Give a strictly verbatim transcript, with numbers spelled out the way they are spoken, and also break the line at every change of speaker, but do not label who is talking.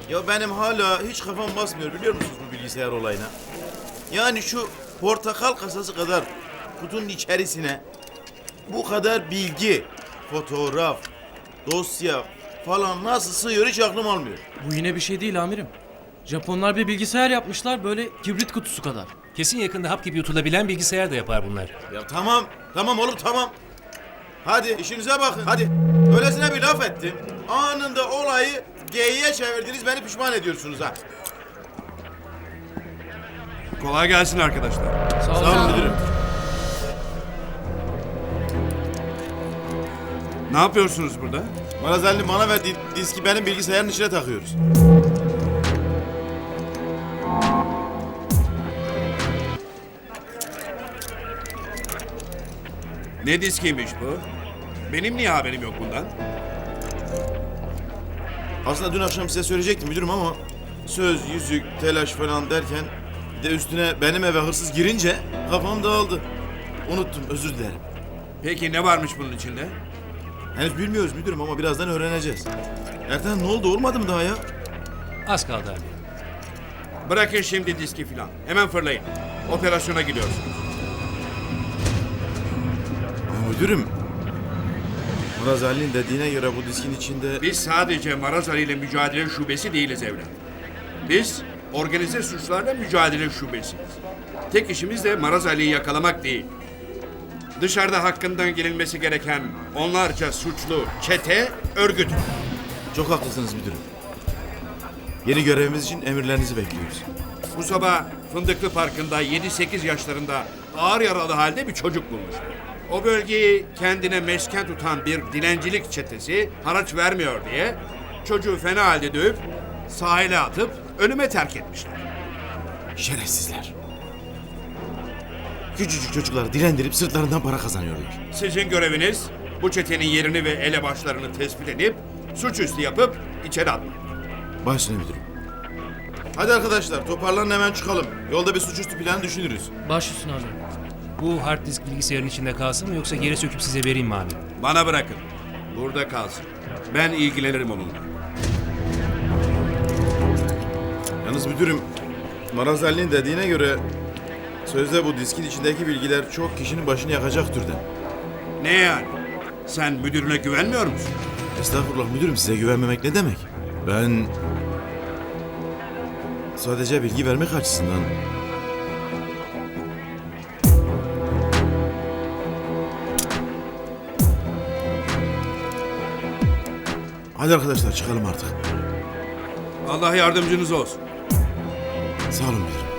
Ya benim hala hiç kafam basmıyor biliyor musunuz bu bilgisayar olayına? Yani şu portakal kasası kadar kutunun içerisine bu kadar bilgi, fotoğraf, dosya falan nasıl sığıyor hiç aklım almıyor.
Bu yine bir şey değil amirim. Japonlar bir bilgisayar yapmışlar böyle kibrit kutusu kadar.
Kesin yakında hap gibi yutulabilen bilgisayar da yapar bunlar.
Ya tamam, tamam oğlum tamam. Hadi işinize bakın hadi. Öylesine bir laf ettim. Anında olayı G'ye çevirdiniz beni pişman ediyorsunuz ha.
Kolay gelsin arkadaşlar.
Sağ
Sağ olun müdürüm.
Ne yapıyorsunuz burada?
Marazeli bana verdiği diski benim bilgisayarın içine takıyoruz.
Ne diskiymiş bu? Benim niye haberim yok bundan?
Aslında dün akşam size söyleyecektim müdürüm ama söz, yüzük, telaş falan derken bir de üstüne benim eve hırsız girince kafam dağıldı. Unuttum, özür dilerim.
Peki ne varmış bunun içinde?
Henüz bilmiyoruz müdürüm ama birazdan öğreneceğiz. Ertan ne oldu, olmadı mı daha ya?
Az kaldı abi.
Bırakın şimdi diski filan. Hemen fırlayın. Operasyona gidiyorsunuz.
Ama müdürüm, Muraz Ali'nin dediğine göre bu diskin içinde...
Biz sadece Maraz Ali ile mücadele şubesi değiliz evlat. Biz organize suçlarla mücadele şubesiyiz. Tek işimiz de Maraz Ali'yi yakalamak değil. Dışarıda hakkından gelinmesi gereken onlarca suçlu çete, örgüt.
Çok haklısınız müdürüm. Yeni görevimiz için emirlerinizi bekliyoruz.
Bu sabah Fındıklı Parkı'nda yedi sekiz yaşlarında ağır yaralı halde bir çocuk bulmuş. O bölgeyi kendine mesken tutan bir dilencilik çetesi haraç vermiyor diye çocuğu fena halde dövüp sahile atıp ölüme terk etmişler.
Şerefsizler. Küçücük çocukları dilendirip sırtlarından para kazanıyorlar.
Sizin göreviniz bu çetenin yerini ve elebaşlarını tespit edip suçüstü yapıp içeri atmak.
Başüstüne müdürüm. Hadi arkadaşlar toparlanın hemen çıkalım. Yolda bir suçüstü planı düşünürüz.
Baş üstüne amirim.
Bu hard disk bilgisayarın içinde kalsın mı yoksa geri söküp size vereyim mi abi?
Bana bırakın. Burada kalsın. Ben ilgilenirim onunla.
Yalnız müdürüm, Maraz Ali'nin dediğine göre sözde bu diskin içindeki bilgiler çok kişinin başını yakacak türden.
Ne yani? Sen müdürüne güvenmiyor musun?
Estağfurullah müdürüm, size güvenmemek ne demek? Ben sadece bilgi vermek açısından... Hadi arkadaşlar çıkalım artık.
Allah yardımcınız olsun.
Sağ olun müdürüm.